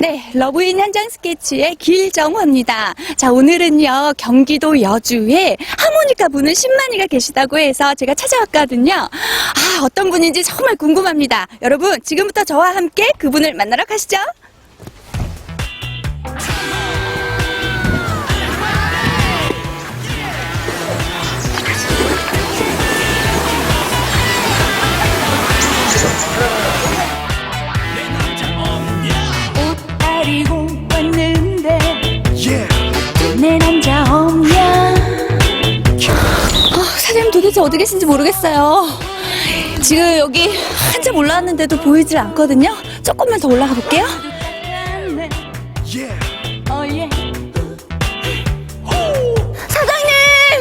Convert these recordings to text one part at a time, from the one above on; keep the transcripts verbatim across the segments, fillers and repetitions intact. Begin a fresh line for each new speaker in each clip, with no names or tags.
네, 러브인 현장 스케치의 길정화입니다. 자, 오늘은요, 경기도 여주에 하모니카 부는 신만이가 계시다고 해서 제가 찾아왔거든요. 아, 어떤 분인지 정말 궁금합니다. 여러분, 지금부터 저와 함께 그분을 만나러 가시죠. 옷가리고 왔는데 내 남자 없냐? 어, 사장님 도대체 어디 계신지 모르겠어요. 지금 여기 한참 올라왔는데도 보이질 않거든요. 조금만 더 올라가 볼게요. 어, 예. 사장님!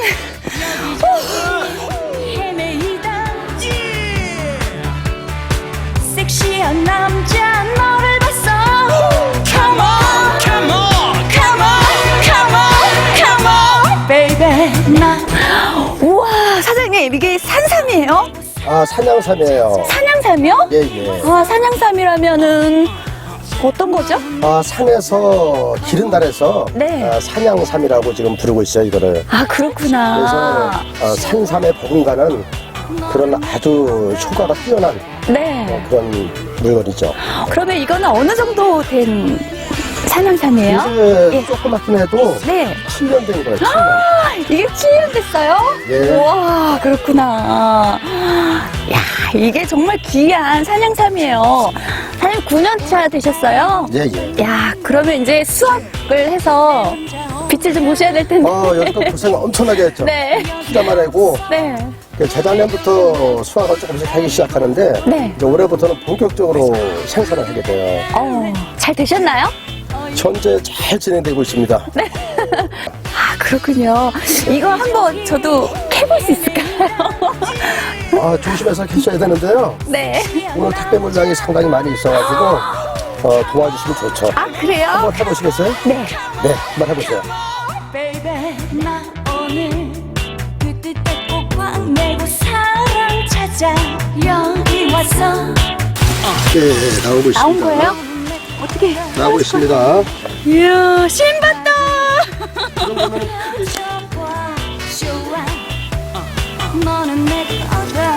섹시한 남자 너를 봤어. Come on, come on, come on, come on, come on, baby. 나 우와, 사장님 이게 산삼이에요?
아, 산양삼이에요.
산양삼이요?
예, 예.
아, 산양삼이라면은 어떤 거죠?
아, 산에서 기른 달에서
네.
아, 산양삼이라고 지금 부르고 있어요, 이거를.
아, 그렇구나.
그래서 어, 산삼에 버금가는 그런 아주 효과가 뛰어난
네.
어, 그런 물건이죠.
그러면 이거는 어느 정도 된 산양삼이에요?
이제
예.
조그맣긴 해도
네.
칠 년 된 거예요, 칠 년.
아, 이게 칠 년 됐어요?
예.
우와, 그렇구나. 야, 이게 정말 귀한 산양삼이에요. 사장님 구 년 차 되셨어요?
예, 예.
야, 그러면 이제 수확을 해서 빛을 좀 보셔야 될 텐데.
어, 여기도 고생 엄청나게 했죠.
네.
투자만 하고
네.
재작년부터 수확을 조금씩 하기 시작하는데
네.
이제 올해부터는 본격적으로 생산을 하게 돼요.
어, 잘 되셨나요?
현재 잘 진행되고 있습니다.
네. 아, 그렇군요. 이거 한번 저도 캐볼 수 있을까요?
아, 조심해서 캐셔야 되는데요.
네.
오늘 택배 물량이 상당히 많이 있어가지고 어, 도와주시면 좋죠.
아, 그래요?
한번 해보시겠어요?
네.
네, 한번 해보세요.
Baby, 나 오늘 그 뜻에 꼭꽉 메고 사랑 찾아 여기 왔어.
네, 네, 나오고 있습니다.
나온 거예요? 어떻게?
나오고 있습니다.
이야, 신봤다. 너는 내 거다.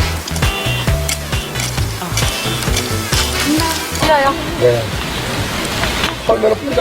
뛰어요.
네. 헐면은 뿌리가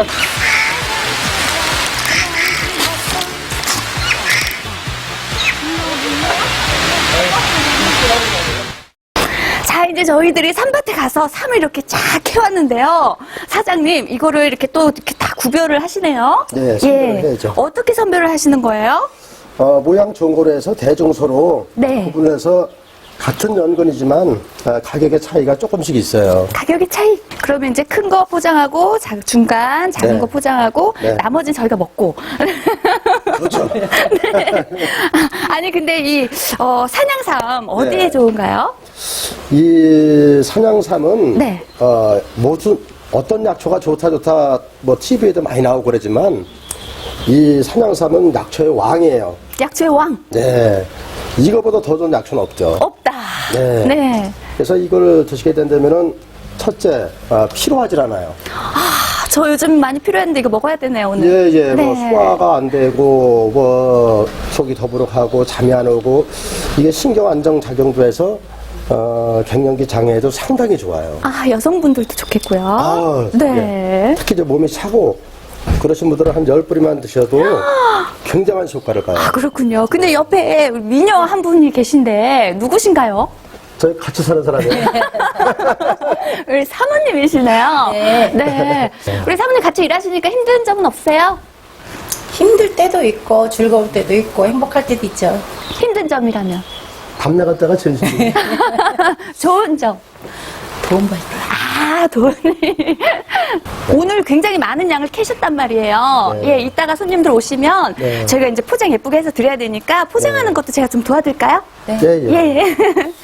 자, 이제 저희들이 산밭에 가서 삼을 이렇게 쫙 캐왔는데요. 사장님, 이거를 이렇게 또 이렇게 다 구별을 하시네요.
네, 선별을 해야죠.
어떻게 선별을 하시는 거예요?
어, 모양 좋은 거로 해서 대중소로
네.
구분해서 같은 연근이지만 아, 가격의 차이가 조금씩 있어요.
가격의 차이. 그러면 이제 큰 거 포장하고 자- 중간 작은
네.
거 포장하고
네.
나머지는 저희가 먹고.
그렇죠.
네. 아니 근데 이 어, 산양삼 어디에
네.
좋은가요?
이 산양삼은
네.
어, 모든 어떤 약초가 좋다 좋다 뭐 티비에도 많이 나오고 그러지만 이 산양삼은 약초의 왕이에요.
약초의 왕.
네. 이거보다 더 좋은 약초는 없죠.
없다.
네.
네.
그래서 이걸 드시게 된다면은 첫째 아, 피로하질 않아요.
아, 저 요즘 많이 필요했는데 이거 먹어야 되네요 오늘.
예, 예,
네.
뭐 소화가 안 되고 뭐 속이 더부룩하고 잠이 안 오고 이게 신경 안정 작용도 해서 어, 갱년기 장애에도 상당히 좋아요.
아, 여성분들도 좋겠고요.
아,
네.
예. 특히 이제 몸이 차고 그러신 분들은 한 열 뿌리만 드셔도 굉장한 효과를 봐요.
아, 그렇군요. 근데 옆에 미녀 한 분이 계신데 누구신가요?
저희 같이 사는 사람이에요.
우리 사모님이시네요.
네.
네. 우리 사모님 같이 일하시니까 힘든 점은 없어요?
힘들 때도 있고 즐거울 때도 있고 행복할 때도 있죠.
힘든 점이라면?
담 나갈 때가 제일 힘들어요.
좋은 점.
돈 벌 때.
아, 돈이. 오늘 굉장히 많은 양을 캐셨단 말이에요.
네.
예, 이따가 손님들 오시면
네.
저희가 이제 포장 예쁘게 해서 드려야 되니까 포장하는
네.
것도 제가 좀 도와드릴까요?
네.
예, 예.
예, 예.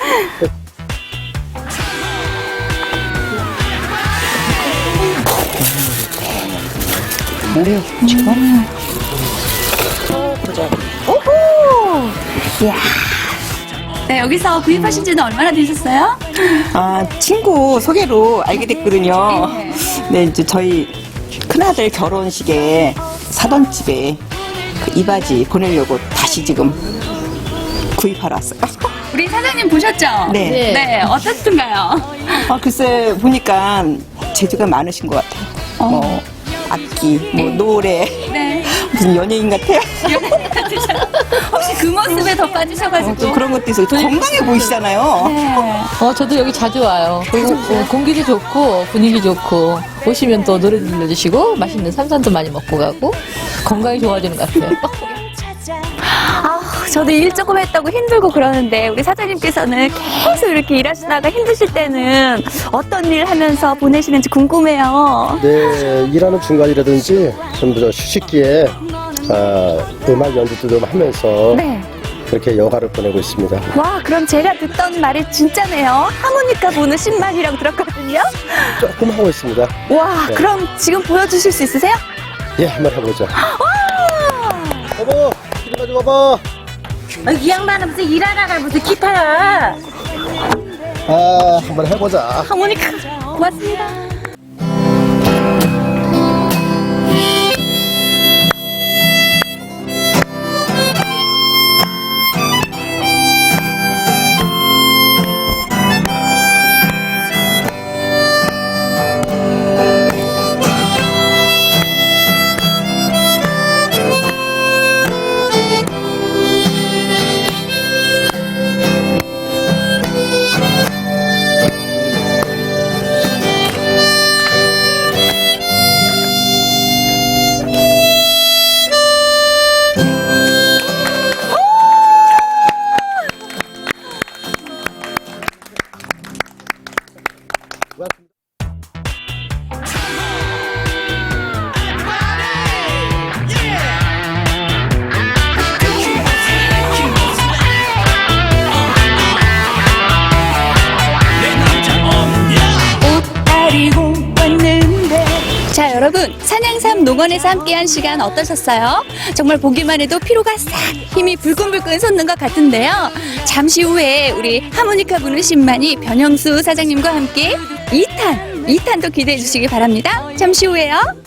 우리 지금
오호! 이야. 네, 여기서 구입하신 지는 얼마나 되셨어요?
아, 친구 소개로 알게 됐거든요.
네.
네, 이제 저희 큰아들 결혼식에 사던 집에 그 이바지 보내려고 다시 지금 구입하러 왔어요.
우리 사장님 보셨죠?
네.
네. 네, 어떻든가요?
아, 글쎄, 보니까 재주가 많으신 것 같아요.
어.
뭐, 악기, 뭐, 노래.
네.
무슨 연예인 같아요.
혹시 그 모습에 더 빠지셔가지고.
또 그런 것도 있어요. 건강해 보이시잖아요.
네.
어, 저도 여기 자주 와요. 그리고 어, 공기도 좋고 분위기 좋고 오시면 또 노래 들려주시고 맛있는 삼산도 많이 먹고 가고 건강이 좋아지는 것 같아요.
아, 저도 일 조금 했다고 힘들고 그러는데 우리 사장님께서는 계속 이렇게 일하시다가 힘드실 때는 어떤 일 하면서 보내시는지 궁금해요.
네, 일하는 중간이라든지 전부 저 휴식기에 아, 음악 연주도 좀 하면서
네.
그렇게 여가를 보내고 있습니다.
와, 그럼 제가 듣던 말이 진짜네요. 하모니카 보는 신만이라고 들었거든요.
조금 하고 있습니다.
와,
네.
그럼 지금 보여주실 수 있으세요?
예, 한번 해보자. 여보, 이리 가져 봐봐.
이 양반은 무슨 일하다가 무슨 기타야.
아, 한번 해보자.
하모니카. 고맙습니다. 자, 여러분, 산양삼 농원에서 함께한 시간 어떠셨어요? 정말 보기만 해도 피로가 싹 힘이 불끈불끈 솟는 것 같은데요. 잠시 후에 우리 하모니카 부는 신만이 변형수 사장님과 함께 이 탄, 이 탄도 기대해 주시기 바랍니다. 잠시 후에요.